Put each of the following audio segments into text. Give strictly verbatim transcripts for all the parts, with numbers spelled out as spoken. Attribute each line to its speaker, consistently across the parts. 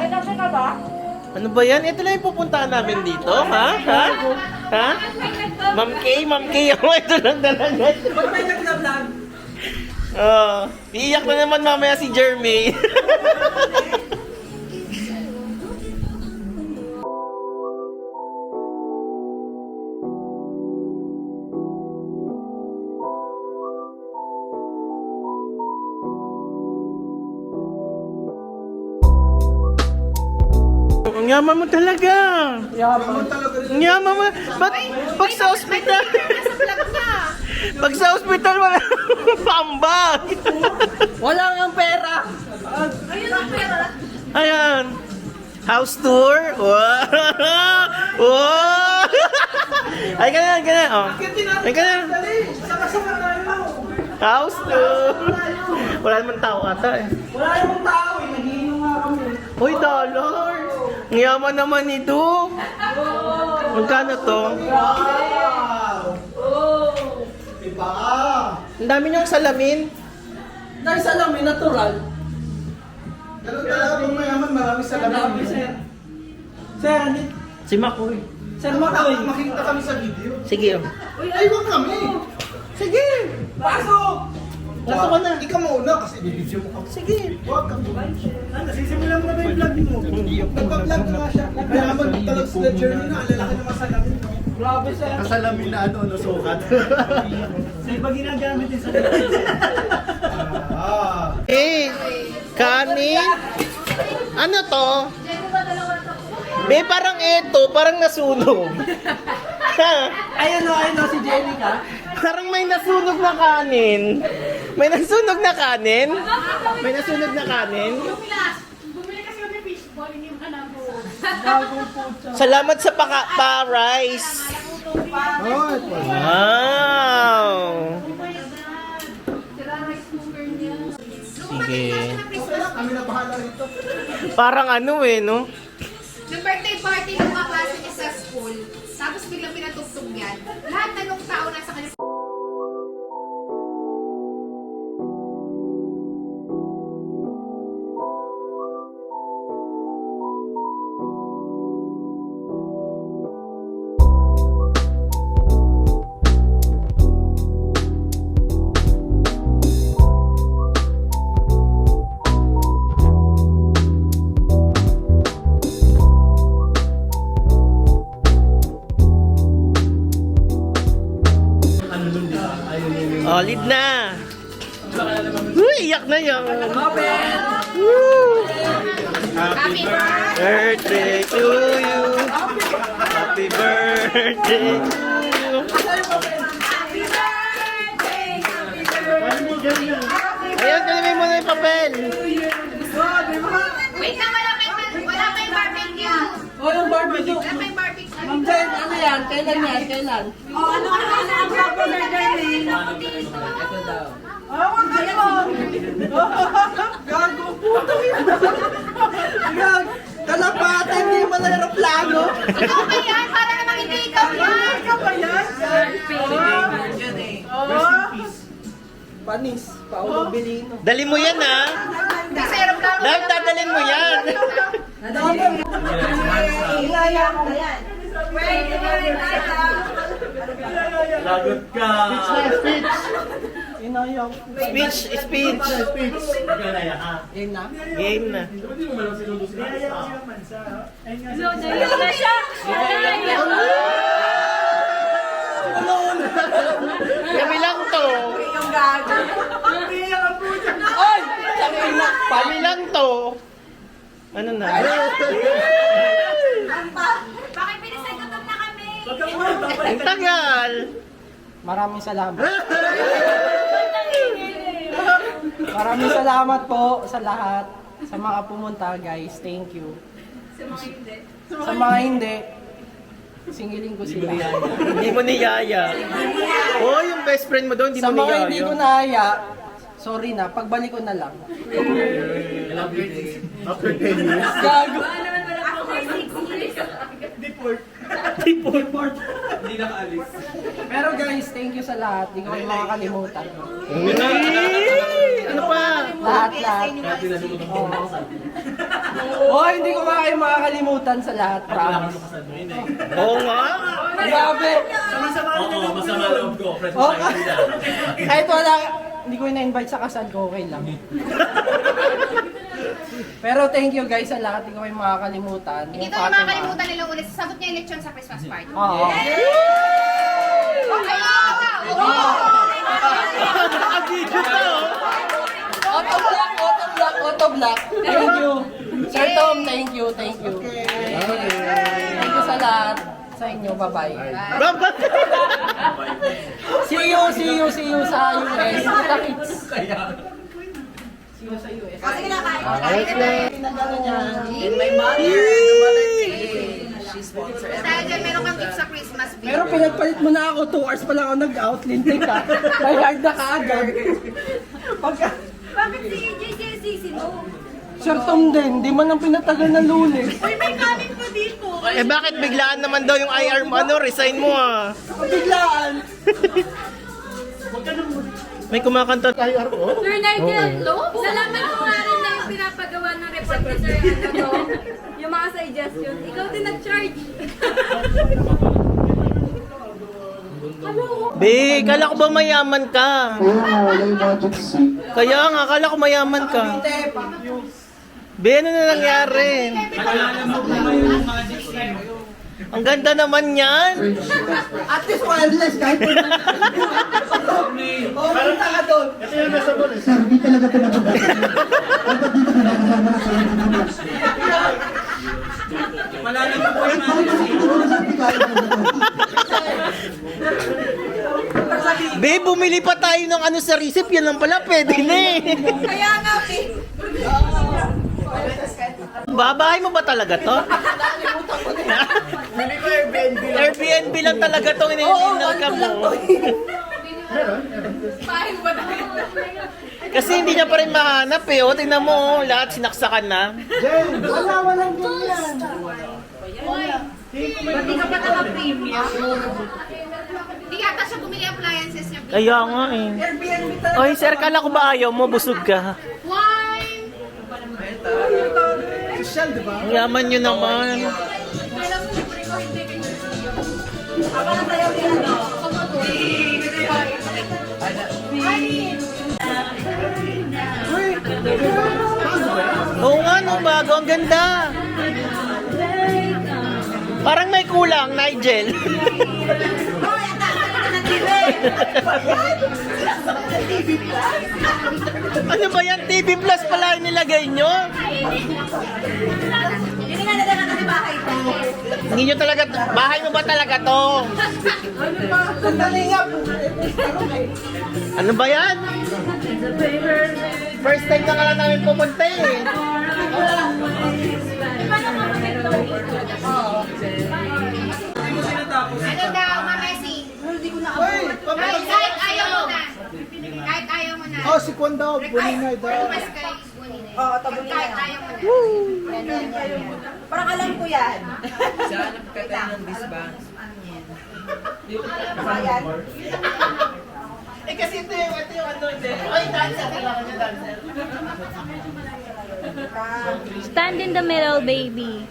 Speaker 1: kape ka ba?
Speaker 2: Ano ba yan? Ito lang yung pupuntahan namin dito, ha? Ha? Ha? Ma'am Kay, Ma'am Kay, ako ito lang talaga.
Speaker 1: Ba't may nag-vlog?
Speaker 2: Oh, iiyak na naman mamaya si Jeremy. Ang yaman mo talaga.
Speaker 1: Yaman talaga.
Speaker 2: Ang yaman mo. Ba't pag sa ospital? Pag sa ospital wala pambag.
Speaker 1: Wala nga pera.
Speaker 3: Ayun ang pera.
Speaker 2: Ayan. House tour. Wow. Wow. Ay, ganyan, ganyan. Oh. Ay, ganyan.
Speaker 1: Sama-sama na lang.
Speaker 2: House tour. Wala naman tao ata eh.
Speaker 1: Wala namang tao eh. Nagiinom nga kami.
Speaker 2: Uy, dollars. Ang yaman naman ito. Magkano to?
Speaker 1: Wow! Oh! Diba?
Speaker 2: Ang dami niyong salamin.
Speaker 1: Dahil sa lamin, natural.
Speaker 4: Ganun talaga pag mayaman, marami sa
Speaker 1: Dami,
Speaker 4: lamin.
Speaker 1: sir. Sir, hindi.
Speaker 2: Si Makoy.
Speaker 1: Sir, makawi.
Speaker 4: Makita kami sa video.
Speaker 2: Sige. oh.
Speaker 4: Ay, wag kami.
Speaker 2: Sige.
Speaker 1: Pasok!
Speaker 2: Gusto ko na.
Speaker 4: Ikaw mauna kasi bibidyo mo kami.
Speaker 2: Sige.
Speaker 4: Wag kami.
Speaker 1: Nasisimulan mo na ba yung vlog mo?
Speaker 4: Nagpa-vlog na nga siya. Mayaman talaga sila journey na. Alalaki naman sa lamin.
Speaker 1: Grabe, sir.
Speaker 4: Kasalamin na ano, nasukat.
Speaker 1: Sa iba ginagamit din sa
Speaker 4: Ah.
Speaker 2: Eh, kanin. Ano to? Be, parang eto, parang nasunog. Ha?
Speaker 1: Ayun o, ayun o, si Jenica.
Speaker 2: Parang may nasunog na kanin. May nasunog na kanin? May nasunog na kanin?
Speaker 3: Bumili kasi kami fishball, hindi mo alam po.
Speaker 1: Bagong pucha.
Speaker 2: Salamat sa paka pa-rice. Wow!
Speaker 3: Sira rice cooker niya.
Speaker 2: Sige.
Speaker 4: Kami na bahala rito.
Speaker 2: Parang ano eh, no?
Speaker 5: Nung birthday party ng mga klase niya sa school, tapos biglang pinatugtog yan. Lahat na nung tao nasa kanya.
Speaker 2: Oh, lead na. Uy, iyak na yan. Woo!
Speaker 5: Happy birthday!
Speaker 2: Birthday to you. Happy birthday to you.
Speaker 5: Happy birthday! Happy birthday!
Speaker 2: Ayun, kalimin mo na yung papel.
Speaker 5: Wait lang, wala pa yung, wala pa yung barbecue.
Speaker 1: Walang barbecue.
Speaker 5: Wala pa yung barbecue.
Speaker 1: Ma'am Jen, ano yan? Kailan yan? Kailan?
Speaker 5: Oh, ano ano ano ang popular din?
Speaker 1: Ito daw. Ah, wag kayo! Gago, puto yun! Gag, kalapatan, hindi mo na aeroplano!
Speaker 5: Ikaw ba yan? Para namang hindi ikaw yan.
Speaker 1: Ikaw ba yan? Oh! Panis, Paolo Belino.
Speaker 2: Dali mo yan, ha?
Speaker 5: Kasi aeroplano.
Speaker 2: Dahil dadalhin mo yan.
Speaker 1: Inaya mo yan.
Speaker 4: Lagot ka. Speech
Speaker 1: Inaya mo.
Speaker 2: Speech, speech.
Speaker 4: Speech.
Speaker 1: Yun na.
Speaker 2: Game na.
Speaker 3: na siya!
Speaker 2: Kami lang to.
Speaker 1: Yung gago. Oy! Sabi na.
Speaker 2: Kami lang to. Ano na?
Speaker 5: Bakit pinasagutan na kami?
Speaker 2: Ang tagal.
Speaker 1: Maraming salamat. Maraming salamat po sa lahat. Sa mga pumunta, guys. Thank you. Sa mga hindi, singilin ko sila.
Speaker 2: Hindi mo niyaya. Oh, yung best friend mo doon, hindi
Speaker 1: Sa
Speaker 2: mo
Speaker 1: mga hindi ko
Speaker 2: niyaya.
Speaker 1: nahaya, sorry na, pagbalik ko na lang.
Speaker 4: After ten years.
Speaker 1: Gago.
Speaker 2: Deport.
Speaker 4: Hindi nakaalis.
Speaker 1: Pero guys, thank you sa lahat. Hindi ko kayo makakalimutan.
Speaker 2: Ano pa?
Speaker 1: Lahat, lahat. Oo. Oh, hindi ko nga kayo makakalimutan sa lahat, promise.
Speaker 2: Oo nga.
Speaker 1: Grabe.
Speaker 6: Oo, masama loob ko. Friends
Speaker 1: Oh,
Speaker 6: tayo nila.
Speaker 1: kahit wala, hindi ko na-invite sa kasal ko, okay lang. Pero thank you guys sa lahat, hindi ko kayo makakalimutan.
Speaker 5: Hindi
Speaker 1: Yung
Speaker 5: ko yung
Speaker 1: Fatima.
Speaker 5: makakalimutan nila ulit. Sasabot niya yung lechon sa Christmas party.
Speaker 1: Oo.
Speaker 5: Okay,
Speaker 2: Nakabidyo ka, oh.
Speaker 1: Auto block, auto block, auto block. Thank you. Sir Tom, thank you, thank you. Thank you sa lahat. Sa inyo, bye-bye.
Speaker 2: Baba.
Speaker 1: See you, see you, see you sa U S. Kita kits. See you sa U S.
Speaker 5: Sige na, kain.
Speaker 7: And my mother, the mother cake. She sponsored
Speaker 5: Dahil dyan, meron kang gift sa Christmas bill.
Speaker 1: Pero pinagpalit mo na ako, two hours pa lang ako nag-out, lintik ka. May hard na kaagad. Pagka,
Speaker 5: Bakit si J J C C mo?
Speaker 1: Sir Tom din, di man ang pinatagal ng Lunes.
Speaker 3: Uy, may kanin po dito.
Speaker 2: Eh bakit biglaan naman daw yung I R mo? Ano, resign mo ah.
Speaker 1: Biglaan.
Speaker 2: May kumakanta tayo I R mo?
Speaker 8: Sir Nigel, salamat ko nga rin na yung pinapagawa ng report ni Sir ano to, yung mga suggestion. Ikaw din nag-charge.
Speaker 2: Be, kala ko ba mayaman ka? Kaya nga, kala ko mayaman ka. Be, ano na nangyari? Ang ganda naman yan.
Speaker 1: At least wireless kahit pa. Oh, punta ka doon.
Speaker 2: Be, bumili pa tayo ng ano sa receipt. Yan lang pala, pwede na eh.
Speaker 5: Kaya nga, eh.
Speaker 2: Babahay mo ba talaga to? Airbnb lang talaga to. Iniinal ka mo.
Speaker 5: Pahin ba tayo?
Speaker 2: Kasi hindi niya pa rin mahanap eh. O, tingnan mo, oh, lahat sinaksakan na.
Speaker 1: Wala, walang ganyan.
Speaker 5: Hindi ka pa naka-premium. Hindi yata siya bumili appliances niya.
Speaker 2: Kaya nga eh.
Speaker 1: Airbnb talaga.
Speaker 2: Oy, sir, kala ko ba ayaw mo? Busog ka.
Speaker 5: Wine!
Speaker 4: Social, di ba?
Speaker 2: Ang yaman nyo naman.
Speaker 5: Alam mo, libre ko hindi kayo.
Speaker 2: Oo nga, no, bago. Ang ganda. Parang may kulang, Nigel. Ano ba yan? T V Plus pala yung nilagay nyo?
Speaker 5: Hindi nga nalaga kasi bahay ko.
Speaker 2: Hindi nyo talaga, bahay mo ba talaga to?
Speaker 1: Sandali nga.
Speaker 2: Ano ba yan? First time na ka lang namin pumunta eh.
Speaker 5: Ano daw, Mamesi?
Speaker 4: Uy,
Speaker 5: Kahit, kahit ayaw mo na. Kahit ayaw mo na.
Speaker 4: oh, si Kwan daw, Buninay daw.
Speaker 5: Request kay Buninay.
Speaker 3: Oo, tabon niya.
Speaker 5: Kahit ayaw mo na.
Speaker 3: Parang alam ko yan.
Speaker 7: Hanap ka tayo ng disbands.
Speaker 3: Ayan.
Speaker 2: Eh kasi ito yung, ito yung ano, ito. Ay, dancer. Kailangan nyo dancer.
Speaker 8: Stand in the middle, baby.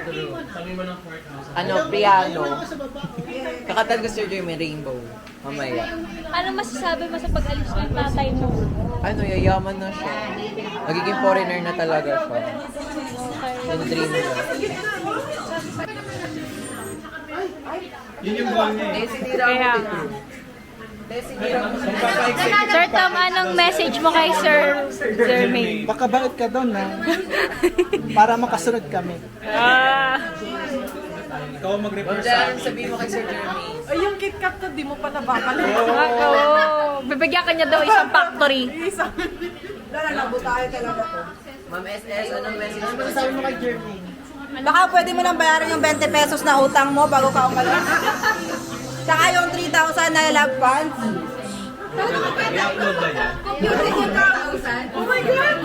Speaker 7: Ano, piano. Kakatan ko Sir Jeremy Rainbow. Mamaya.
Speaker 8: Ano masasabi mo sa pag-alis ng tatay mo?
Speaker 7: Ano, yayaman na siya. Magiging foreigner na talaga siya. Yung dream niya.
Speaker 8: Kaya nga. Sir Tom, anong message mo kay Sir Jermaine?
Speaker 4: Makabait ka doon, ha? Para makasunod kami.
Speaker 8: Ah,
Speaker 7: Diyan, sabihin mo kay Sir Jeremy.
Speaker 3: Ay, yung KitKat to, di mo pa nababalik.
Speaker 8: ako. Bibigyan ka niya daw isang factory.
Speaker 3: Wala, nabutahe talaga to.
Speaker 7: Ma'am S S, anong message mo?
Speaker 1: Sabi mo kay Jermaine.
Speaker 3: Baka pwede mo nang bayaran yung twenty pesos na utang mo bago ka umalis. Saka yung three thousand na love funds.
Speaker 5: Computer yung kakausan.
Speaker 3: Oh my God!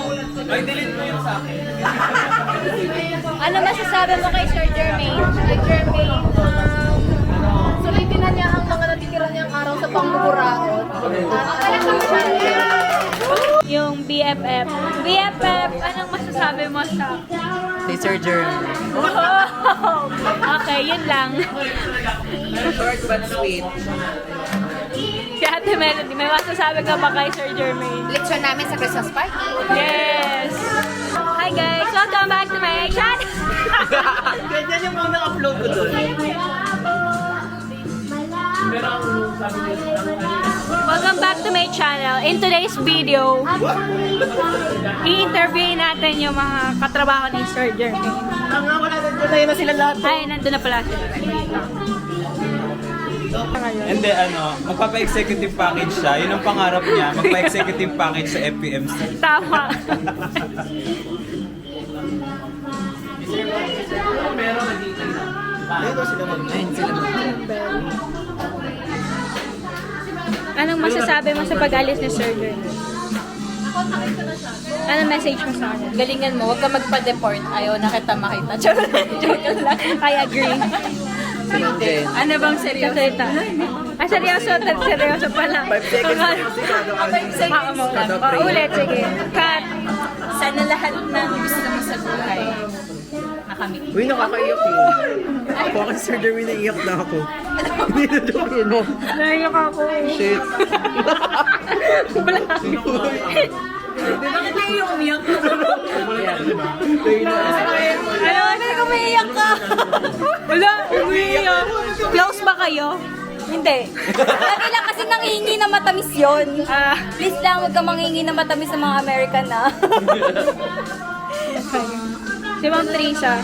Speaker 8: Ano masasabi mo kay Sir Jermaine? Kay Jermaine, um, sulitin na niya ang mga natitira niyang araw sa pangmumuraot. Yung B F F. B F F, anong masasabi mo sa
Speaker 7: Si Sir Jeremy.
Speaker 8: Oh! Okay, yun lang.
Speaker 7: Short but sweet.
Speaker 8: Si Ate Melody, may masasabi ka ba kay Sir Jermaine?
Speaker 5: Leksyon namin sa Christmas party.
Speaker 8: Yes! Hi guys! Welcome back to my channel!
Speaker 2: Ganyan yung mga upload ko doon.
Speaker 8: Welcome back to my channel. In today's video, i-interview natin yung mga katrabaho ni Sir Jermaine.
Speaker 2: Ang nga, wala na doon na yun na sila lahat.
Speaker 8: Ay, nandun na pala sila.
Speaker 6: Hindi, ano, magpapa-executive package siya. Yun ang pangarap niya, magpa-executive package sa F P M C.
Speaker 8: Tama.
Speaker 7: Ayun sila.
Speaker 8: Anong masasabi mo sa pag-alis ni Sir Jermaine? Anong message mo sa kanya?
Speaker 3: Galingan mo, huwag ka magpa-deport. Ayaw na kita makita. Joke lang, joke lang.
Speaker 8: I agree.
Speaker 7: Si Ma'am Jen.
Speaker 3: Ano bang seryoso?
Speaker 8: Kasalita. Ah, seryoso. Seryoso pala.
Speaker 7: Five seconds na kasi kada
Speaker 8: Ah, mo lang. Oh, ulit, sige. Cut.
Speaker 3: Sana lahat ng gusto mo sa buhay nakamit.
Speaker 7: Uy, nakakaiyak yun. Ako kasi Sir Jeremy naiiyak na ako. Hindi na jokin mo.
Speaker 8: Naiyak ako.
Speaker 7: Shit.
Speaker 3: Bakit na yung umiyak?
Speaker 8: Ano, ano, umiiyak ka? Wala, umiiyak. Close ba kayo?
Speaker 3: Hindi. Lagi lang kasi nangihingi na matamis yun.
Speaker 8: Ah,
Speaker 3: Please lang, huwag ka manghingi na matamis sa mga American na.
Speaker 8: si Ma'am Teresa.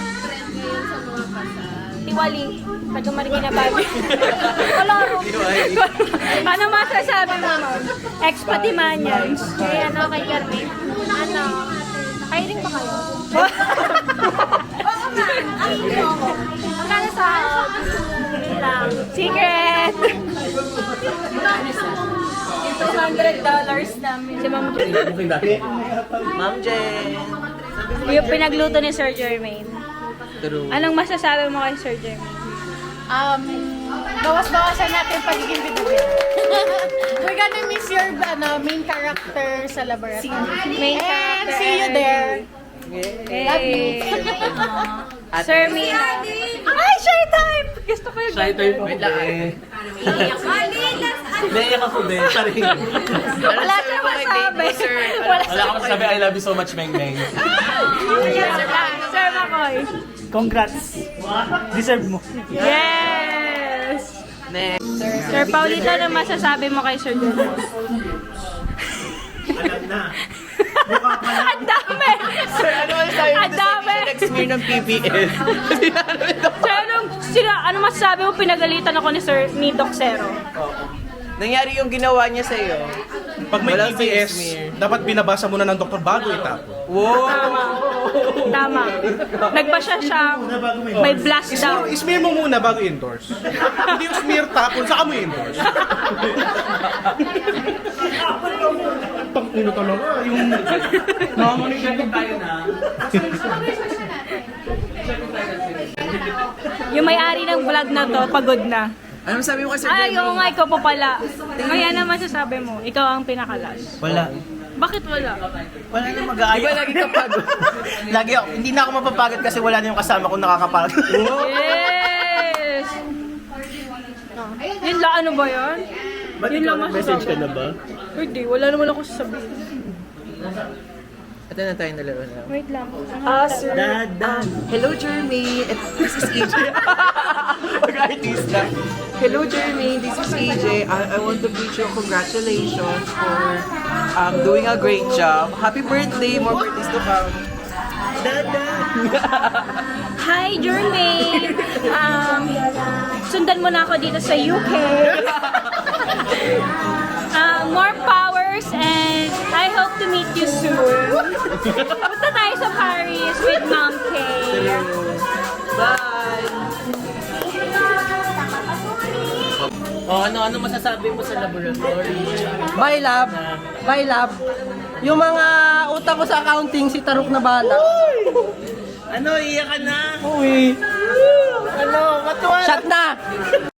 Speaker 8: Tiwali. Taga Marikina Babi. Wala ro. Ano masasabi mo, Ma'am? Ex-Patimanians. Kaya ano kay Carmen? Ano? Hiring ba kayo? Oo nga. Magkano sa lang. Secret!
Speaker 3: two hundred dollars namin.
Speaker 8: Si Ma'am
Speaker 2: Ma'am Jen.
Speaker 8: yung pinagluto ni Sir Jermaine.
Speaker 7: True.
Speaker 8: Anong masasabi mo kay Sir Jermaine?
Speaker 5: Um, bawas-bawasan natin pagiging bidugan. We're gonna miss your ano, main character sa laboratory.
Speaker 8: Main
Speaker 5: And
Speaker 8: character.
Speaker 5: see you there.
Speaker 8: Hey. Sir Mina. Ay, shy time! Gusto ko yung shy time.
Speaker 7: Wait lang.
Speaker 2: Naiyak ako din. Sorry.
Speaker 8: Wala siya masabi. Wala
Speaker 6: Wala ka masasabi, I love you so much, Meng Meng.
Speaker 8: Sir Makoy.
Speaker 2: Congrats. Deserve mo.
Speaker 8: Yes!
Speaker 7: Next.
Speaker 8: Sir Paulito, ano masasabi mo kay Sir Jermaine?
Speaker 2: Alam na.
Speaker 8: Ang dami!
Speaker 7: Sir, ano man sa'yo?
Speaker 8: Ang dami!
Speaker 7: Nag-smear ng P B S.
Speaker 8: Sir, anong, sila, ano masasabi mo? Pinagalitan ako ni Sir, ni Doc Zero.
Speaker 7: Nangyari yung ginawa niya sa'yo.
Speaker 4: Pag may
Speaker 7: Walang
Speaker 4: P B S,
Speaker 7: smear.
Speaker 4: dapat binabasa muna ng doktor bago itapon.
Speaker 7: Wow!
Speaker 8: Tama. Nagbasya siya. May blast daw.
Speaker 4: Smear, smear mo muna bago endorse. Hindi yung smear tapon, saka mo endorse. Pang-uno talaga, yung...
Speaker 6: tayo na.
Speaker 8: Yung may-ari ng vlog na to, pagod na.
Speaker 7: Ano sabi mo kay Sir
Speaker 8: Ay, oo
Speaker 7: Jeremy?
Speaker 8: nga, ikaw pa pala. Kaya naman sasabi mo, ikaw ang pinakalas.
Speaker 2: Wala.
Speaker 8: Bakit wala?
Speaker 2: Wala na mag-aayos.
Speaker 7: Di ba lagi ka pagod?
Speaker 2: Lagi ako. Hindi na ako mapapagod kasi wala na yung kasama kong nakakapagod.
Speaker 8: Yes! Yun lang, ano ba yan? Yun lang
Speaker 2: Message ka
Speaker 8: masasabi.
Speaker 2: na ba?
Speaker 8: Hindi, wala naman ako sasabihin.
Speaker 7: Ito na tayong dalawa na.
Speaker 8: Wait lang.
Speaker 7: Ah, sir.
Speaker 2: Dadan.
Speaker 7: Hello, Jeremy. And this is E J. Pag-artista. Hello, Jeremy. This is E J. I, I want to wish you congratulations for um, doing a great job. Happy birthday. More birthdays to come.
Speaker 8: Hi, Jermaine! Um, sundan mo na ako dito sa U K. Uh, more powers and I hope to meet you soon. Punta tayo sa Paris with Mom Kay.
Speaker 7: Bye!
Speaker 2: Oh, ano ano masasabi mo sa laboratory?
Speaker 1: Bye, love. Bye, love. Yung mga utang ko sa accounting, si Tarok na bala.
Speaker 2: Ano, iyak ka na?
Speaker 1: Uy.
Speaker 2: Ano, matuwa.
Speaker 1: Shut na!